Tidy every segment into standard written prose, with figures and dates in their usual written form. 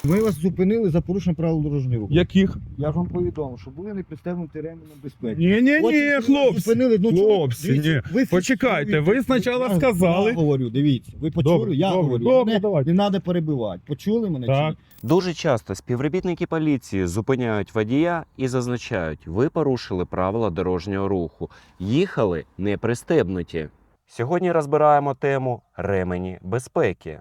Ми вас зупинили за порушення правил дорожнього руху. Яких? Я ж вам повідомив, що були не пристебнуті ременем безпеки. Ні, Потім хлопці. зупинили, ну, чого? Хлопці, Дивіться, ні. ви Почекайте, фіксуєте. ви спочатку Я сказали. говорю, дивіться, ви почули, Добре, я добре, говорю. добре, Мене давайте. не треба перебивати. Почули мене? Так. Чи ні? Дуже часто співробітники поліції зупиняють водія і зазначають, ви порушили правила дорожнього руху, їхали не пристебнуті. Сьогодні розбираємо тему ремені безпеки.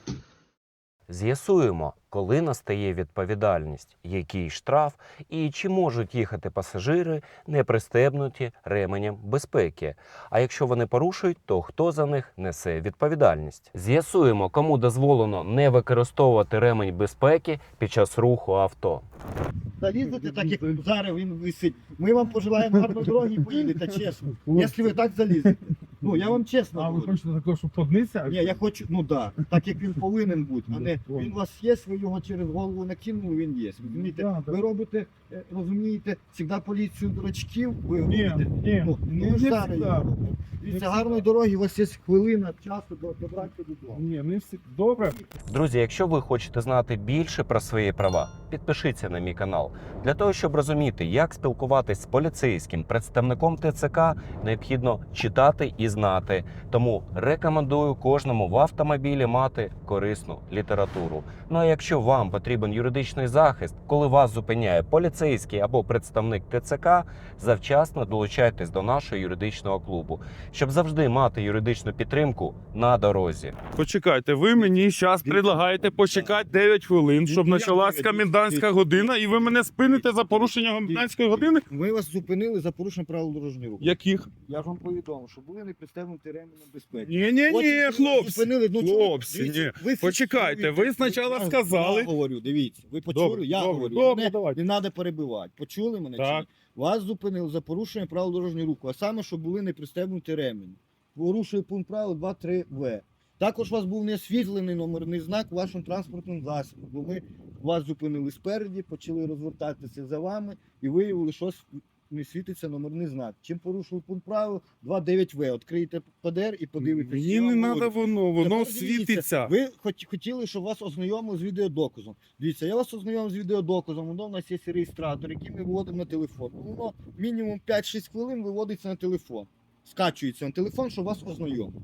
З'ясуємо, коли настає відповідальність, який штраф і чи можуть їхати пасажири не пристебнуті ременем безпеки. А якщо вони порушують, то хто за них несе відповідальність? З'ясуємо, кому дозволено не використовувати ремень безпеки під час руху авто. Залізете так, як зараз він висить. Ми вам пожелаємо гарної дороги і поїдете, чесно. Якщо ви так залізете. Ну, я вам чесно А ви говорю. хочете такого, щоб поднися? Ні, я хочу, ну да, так як він повинен бути, а не він у вас є, ви його через голову накинули, він є. Розумієте? Да, да. Ви робите, розумієте, завжди поліцію дурачків, ви Ні, робите. ні, Ну, не ну, всегда. зараз я роблю. Дивіться, гарної дороги, у вас є хвилина часу добратися додому. Ні, не всі. Добре. Друзі, якщо ви хочете знати більше про свої права, підпишіться на мій канал. Для того, щоб розуміти, як спілкуватись з поліцейським представником ТЦК, необхідно читати і знати. Тому рекомендую кожному в автомобілі мати корисну літературу. Ну а якщо вам потрібен юридичний захист, коли вас зупиняє поліцейський або представник ТЦК, завчасно долучайтесь до нашого юридичного клубу, щоб завжди мати юридичну підтримку на дорозі. Почекайте, ви мені зараз предлагаєте почекати 9 хвилин, щоб Ні, почалась я- комендантська година, і ви мене спините за порушення комендантської години? Ми вас зупинили за порушення правил дорожнього руху. Яких? Я ж вам повідомив, що були не пристебнуті ременем безпеки. Ні, Потім хлопці. зупинили, ну, чого? Хлопці, Дивіться, ні. ви Почекайте, фіксуєте. ви спочатку Я сказали. говорю, дивіться, ви почули, Добре, я добре, говорю. добре, Мене давайте. не треба перебивати. Почули мене? Чи Так. ні? Вас зупинили за порушення правил дорожнього руху, а саме, що були не пристебнуті ремені. Порушує пункт правил 2.3В. Також у вас був не освітлений номерний знак вашим транспортним засобом, бо ми вас зупинили спереді, почали розвертатися за вами і виявили, що не світиться номерний знак. Чим порушили пункт правил 2.9В. Відкриєте ПДР і подивитесь. Мені що не вам треба говорять. воно Тепер дивіться, світиться. Ви хотіли, щоб вас ознайомили з відеодоказом. Дивіться, я вас ознайомив з відеодоказом, воно в нас є реєстратор, який ми виводимо на телефон. Воно мінімум 5-6 хвилин виводиться на телефон. Скачується на телефон, щоб вас ознайомити.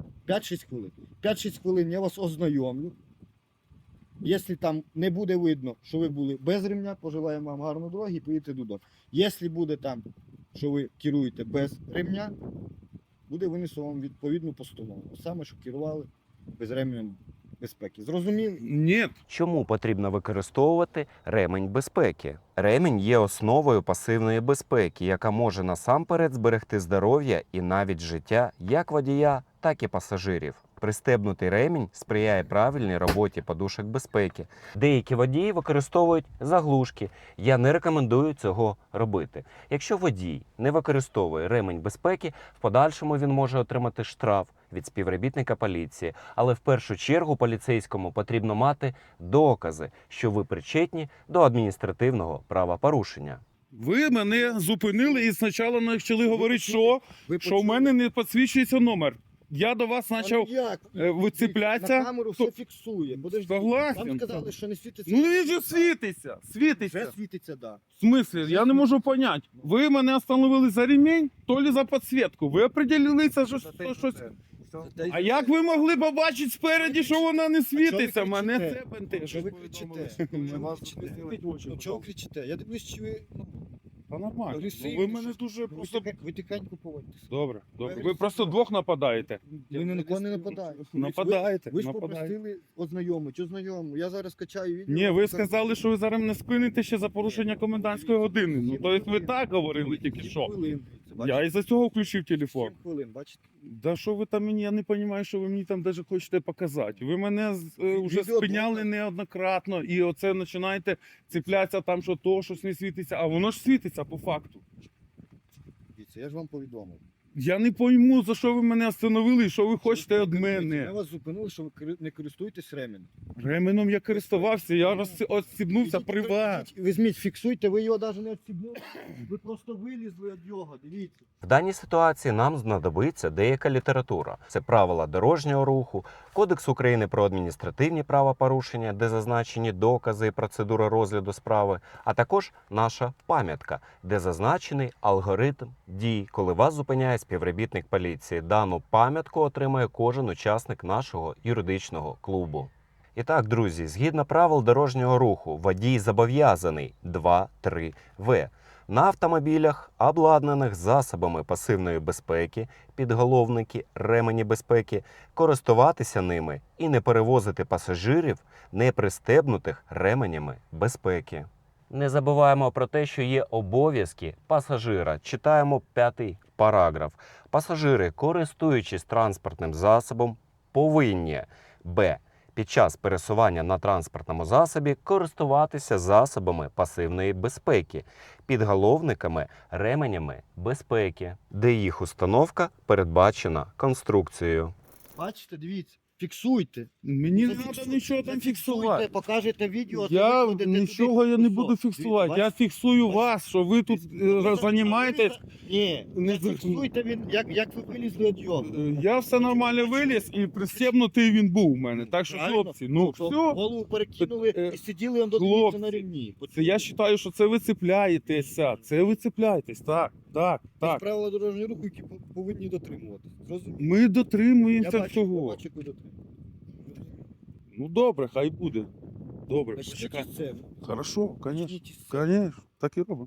5-6 хвилин. 5-6 хвилин я вас ознайомлю. Якщо там не буде видно, що ви були без ремня, пожелаємо вам гарної дороги і поїдете додому. Якщо буде там, що ви керуєте без ремня, буде винесено вам відповідну постанову. Саме, що керували без ременем безпеки. Зрозуміли? Ні. Чому потрібно використовувати ремень безпеки? Ремінь є основою пасивної безпеки, яка може насамперед зберегти здоров'я і навіть життя як водія, так і пасажирів. Пристебнутий ремінь сприяє правильній роботі подушок безпеки. Деякі водії використовують заглушки. Я не рекомендую цього робити. Якщо водій не використовує ремень безпеки, в подальшому він може отримати штраф від співробітника поліції. Але в першу чергу поліцейському потрібно мати докази, що ви причетні до адміністративного правопорушення. Ви мене зупинили і спочатку почали говорити, що в мене не підсвічується номер. Я до вас почав вицеплятися. На камеру все фіксує. Подожди. Согласен. Вам сказали, що не світиться. Ну він же світиться. Вже Світиться. світиться, да. В смислі? Я не можу поняти. Ви мене остановили за ремінь, то ли за підсвітку. Ви определилися, що щось. А як ви могли побачити спереді, що вона не світиться? Мене це Що бентежить. ви кричите? Ми вас Ну, чого кричите? Я дивлюсь, чи ви Та нормально. агресивні, Ви мене що- дуже просто... ви тихенько поводитесь. Добре, добре. Ви просто двох нападаєте. Ви ні на кого не нападаєте. Нападаєте, Ви ж нападаєте. попросили ознайомити. Ознайому. Я зараз качаю відео. Ні, ви сказали, що ви зараз мене спините ще за порушення комендантської години. Ну, тобто ви так говорили тільки що. Я із-за цього включив телефон. 7 хвилин, бачите? Да що ви там мені, я не розумію, що ви мені там навіть хочете показати. Ви мене вже Відео спиняли доказ. неоднократно, і оце починаєте цеплятися там, що то, щось не світиться, а воно ж світиться по факту. Дивіться, я ж вам повідомив. Я не пойму, за що ви мене остановили і що ви хочете від Ми мене. вас зупинили, що ви не користуєтесь ременем. Ременем я користувався, я розстібнувся при вас. Візьміть, фіксуйте, ви його навіть не відстібнули, ви просто вилізли від його, дивіться. В даній ситуації нам знадобиться деяка література. Це правила дорожнього руху, Кодекс України про адміністративні правопорушення, де зазначені докази і процедура розгляду справи, а також наша пам'ятка, де зазначений алгоритм дій, коли вас зупиняє співробітник поліції. Дану пам'ятку отримає кожен учасник нашого юридичного клубу. І так, друзі, згідно правил дорожнього руху, водій зобов'язаний 2.3В на автомобілях, обладнаних засобами пасивної безпеки, підголовники, ремені безпеки, користуватися ними і не перевозити пасажирів, не пристебнутих ременями безпеки. Не забуваємо про те, що є обов'язки пасажира. Читаємо 5-й параграф. Пасажири, користуючись транспортним засобом, повинні б. Під час пересування на транспортному засобі користуватися засобами пасивної безпеки, підголовниками, ременями безпеки, де їх установка передбачена конструкцією. Бачите, дивіться, фіксуйте. Мені не Зафіксуйте, треба нічого там зафіксуйте, фіксувати. Покажете відео. Я ви ходите нічого туди, я не і буду що? фіксувати. Дивіться, Я фіксую вас, що ви тут Ви займаєтесь. Ні, Не не фіксуйте він, як ви вилізли від його. Я все нормально виліз і пристебнутий він був у мене. Так що, Правильно? хлопці, ну Що все. голову перекинули і сиділи он додивіться хлопці, на рівні. Це я вважаю, що це ви цепляєтеся. Це ви цепляєтесь. Так, так, Це так. правила дорожнього руху, які повинні дотримуватися. Зрозуміло? Ми дотримуємося я цього. бачу, як ви дотримуєтеся. Ну добре, хай буде. Добре, Почніть почекай. із себе. Хорошо, конечно. Почніть із себе. Конечно, так і робимо.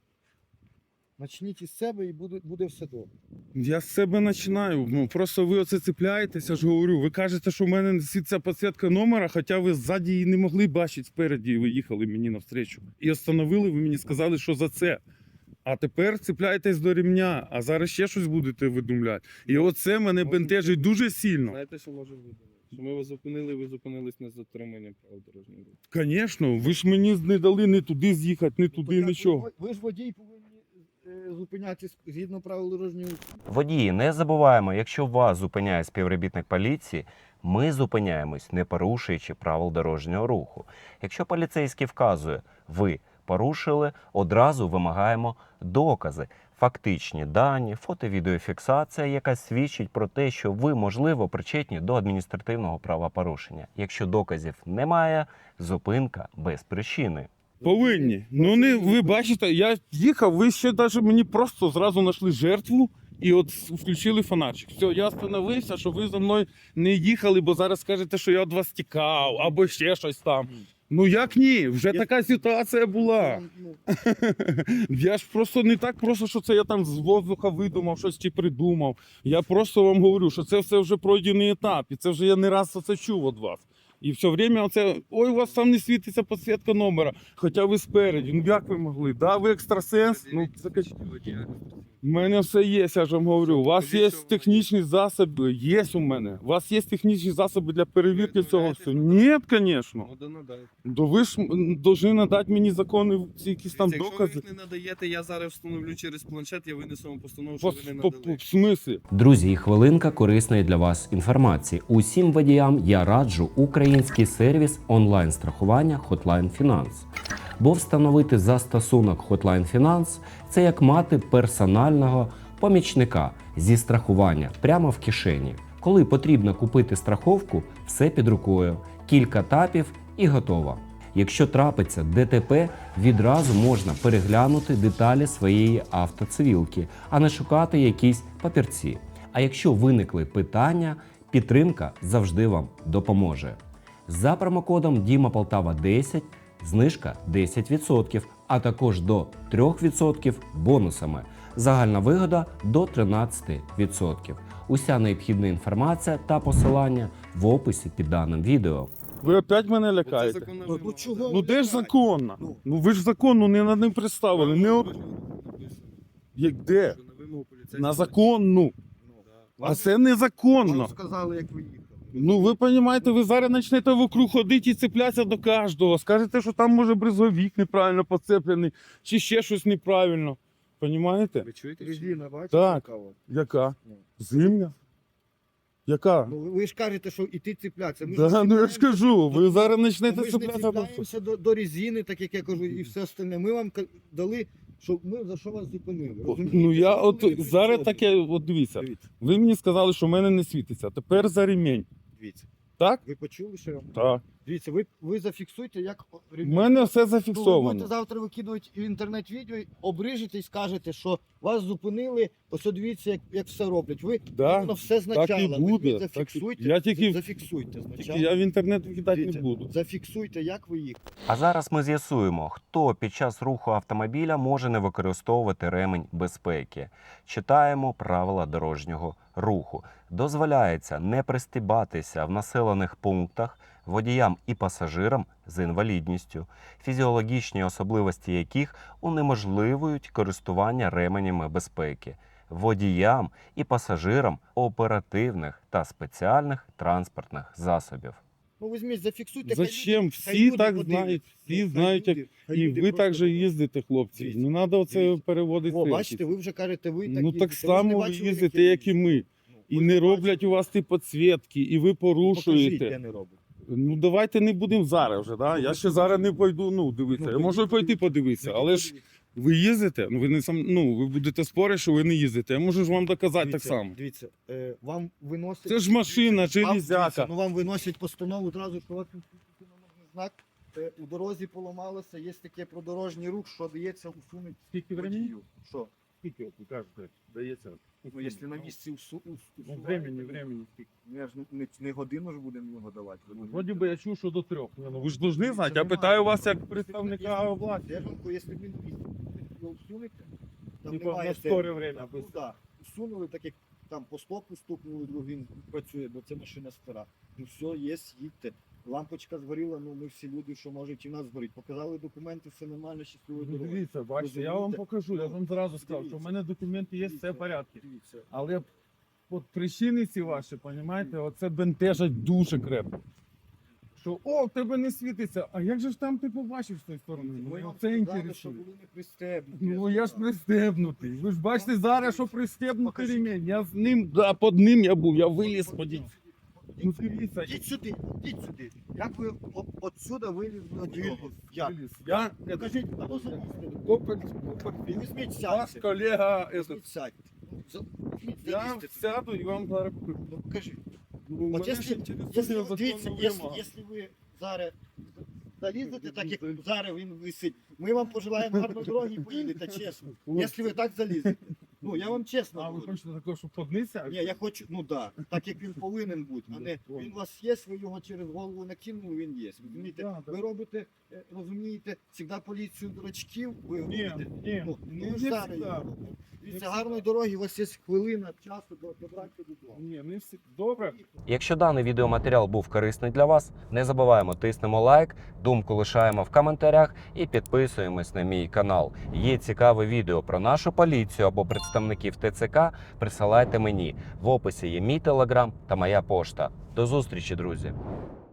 Почніть із себе і буде все добре. Я з себе починаю. Ну, просто ви оце цепляєтеся, я ж говорю. Ви кажете, що в мене світиться підсвітка номера, хоча ви ззаді її не могли бачити спереді, і ви їхали мені навстречу. І остановили, ви мені сказали, що за це. А тепер цепляєтесь до рівня, а зараз ще щось будете видумляти. І оце мене бентежить дуже сильно. Знаєте, що може бути? Що ми вас зупинили, ви зупинились на затримання правил дорожнього руху. Звісно, ви ж мені не дали ні туди з'їхати, ні туди, Так, нічого. Ви ж водій повинні зупинятися згідно правил дорожнього руху. Водії, не забуваємо, якщо вас зупиняє співробітник поліції, ми зупиняємось, не порушуючи правил дорожнього руху. Якщо поліцейський вказує, ви порушили, одразу вимагаємо докази, фактичні дані, фото-відеофіксація, яка свідчить про те, що ви, можливо, причетні до адміністративного правопорушення. Якщо доказів немає, зупинка без причини. Повинні. Ну не ви бачите, я їхав, ви ще навіть мені просто зразу знайшли жертву і от включили фонарчик. Все, я остановився, що ви за мною не їхали, бо зараз скажете, що я від вас тікав або ще щось там. Ну як ні? Вже така ситуація була. Ну, Я ж просто не так просто, що це я там з воздуха видумав, щось чи придумав. Я просто вам говорю, що це все вже пройдений етап, і це вже я не раз це чув від вас. І все время оце, ой, у вас там не світиться підсвітка номера, хоча ви спереді. Ну як ви могли? Да, ви екстрасенс? Ну, це у мене все є, я ж вам говорю. У вас є технічні засоби, є у мене. У вас є технічні засоби для перевірки цього всього? Ні, звісно. Ну, надайте. То ви ж повинні надати мені закони, ці якісь там Якщо ви докази. їх не надаєте, я зараз встановлю через планшет, я винесу вам постанову, По, що ви не по, надали. в смислі? Друзі, і хвилинка корисної для вас інформації. Усім водіям я раджу український сервіс онлайн-страхування Hotline Finance. Бо встановити застосунок Hotline Finance – це як мати персонального помічника зі страхування прямо в кишені. Коли потрібно купити страховку, все під рукою, кілька тапів і готово. Якщо трапиться ДТП, відразу можна переглянути деталі своєї автоцивілки, а не шукати якісь папірці. А якщо виникли питання, підтримка завжди вам допоможе. За промокодом DIMAPOLTAVA10 знижка 10%, а також до 3% бонусами. Загальна вигода до 13%. Уся необхідна інформація та посилання в описі під даним відео. Ви опять мене Бо це лякаєте? законна Ну, вимога. чого? Ну де ж законно? Ну. Ну ви ж законно не над ним представили. Не от... Як де? Що на вимогу поліцейського- На законну. Да. А це незаконно. Вам сказали, як ви їхали. Ну ви розумієте, ви зараз почнете вокруг ходити і цеплятися до кожного. Скажете, що там може бризовик неправильно поцеплений, чи ще щось неправильно. Понімаєте? Ви чуєте? Резина, бачите? Так. яка от? Яка? Ну. Зимня? Яка? Ну, ви ж кажете, що іти цеплятися. Ми Да, ну я ж кажу, ви зараз Ми почнете ж не цеплятися. цепляємося до резини, так як я кажу, і все остальне. Ми вам дали, що ми за що вас зупинили. розумієте? Ну я Ви от були не зараз при таке, от дивіться. Дивіться, Ви мені сказали, що в мене не світиться. Тепер за ремінь. дивіться. Так? Ви почули, що я вам? Так. Дивіться, ви зафіксуйте, як У мене все Ну, ви зафіксовано. будете завтра викидувати в інтернет відео, обрижете і скажете, що вас зупинили, ось дивіться, як все роблять. Ви Да, воно все значало. буде, Ви так і- зафіксуйте, я тільки- зафіксуйте Тільки спочатку. я в інтернет викидати не Дивіться, буду. Зафіксуйте, як ви їх. А зараз ми з'ясуємо, хто під час руху автомобіля може не використовувати ремень безпеки. Читаємо правила дорожнього руху. Дозволяється не пристібатися в населених пунктах водіям і пасажирам з інвалідністю, фізіологічні особливості яких унеможливують користування ременями безпеки, водіям і пасажирам оперативних та спеціальних транспортних засобів. Ну, візьміть, зафіксуйте. Зачем? хай Всі люди так подивляться. знають, всі Хай знають, як люди- хай і люди ви просто так же їздите, хлопці. Дивіться, Не треба оце дивіться. переводити. О, в бачите, якісь. ви вже кажете, ви так Ну їздите. так Ви ж само не ви бачили, їздите, я як і ми. Ну, І ви не бачите. роблять у вас ті підсвітки, і ви Покажіть, порушуєте. де не роблять. Ну давайте не будемо зараз вже, да? Я ще зараз не пойду, ну дивіться. Я можу пойти подивитися, але ж ви їздите, ну ви не сам, ну ви будете спорити, що ви не їздите. Я можу ж вам доказати так само. Дивіться, вам виносять... Це ж машина, Вам, железяка. дивіться, ну вам виносять постанову одразу, що у вас номерний знак, у дорозі поламалося, є таке про дорожній рух, що дається усунути Скільки водію. Що? Скільки, ви кажете, дається? Ну, якщо на місці усунути, времени скільки. я ж не годину ж будемо його давати. Вроді би я чув, що до 3. Ну, ви ж повинні знати, я питаю вас як представника влади. Держанку, якщо він місці його усунете, там Типа немає на скоре терміну. время. Ну, да. Усунули, так як там по стопу стукнули, він працює, бо це машина стара. Ну все, є, їдьте. Лампочка згоріла, ну ми всі люди, що можуть і в нас згоріть. Показали документи, все нормально, щасливо Ну, дороги. дивіться, бачите, я вам Розумієте? покажу, я Ну, вам зразу сказав, що в дивіться. мене документи є, все Дивіться, в порядку. Дивіться. Але от причини ці ваші, розумієте, оце бентежать дуже крепко. Що, о, в тебе не світиться, а як же ж там ти побачив з тої сторони? Ми Ну, вам це сказали, інтересує. що були не пристебнуті. Ну я ж пристебнутий. Ви ж бачите зараз, що пристебнутий Покажіть. ремінь. Я з ним, да, під ним я був, я виліз подій. Ну дивіться, Йдіть сюди, йдіть сюди. Як ви отсюда вилізли до цього? Як? виліз. Я, Покажіть, а ну залізьте. Копель, Візьміть, ваш сядьте. колега, этот, Візьміть, сядьте. Візьміть, я залізьте туди. сяду і вам зараз покажу. Ну покажіть. Ну, От мене якщо, ще інтересує якщо, законна дивіться, вимога. якщо ви зараз залізете, так як зараз він висить, ми вам пожелаємо гарної дороги і поїдете, чесно. Якщо ви так залізете. Ну, я вам чесно А ви говорю. хочете такого, щоб поднися? Ні, я хочу, ну да, так як він повинен бути, а не він у вас є, ви його через голову накинули, він є. Розумієте? Да, да. Ви робите, розумієте, завжди поліцію дурачків, ви Ні, робите. ні, Ну, не ви ж зараз всегда. його робите. Дивіться, гарної дороги, у вас є хвилина часу добратися додому. Ні, не всі. Добре. Якщо даний відеоматеріал був корисний для вас, не забуваємо тиснемо лайк, думку лишаємо в коментарях і підписуємось на мій канал. Є цікаве відео про нашу поліцію або представників ТЦК, присилайте мені. В описі є мій телеграм та моя пошта. До зустрічі, друзі!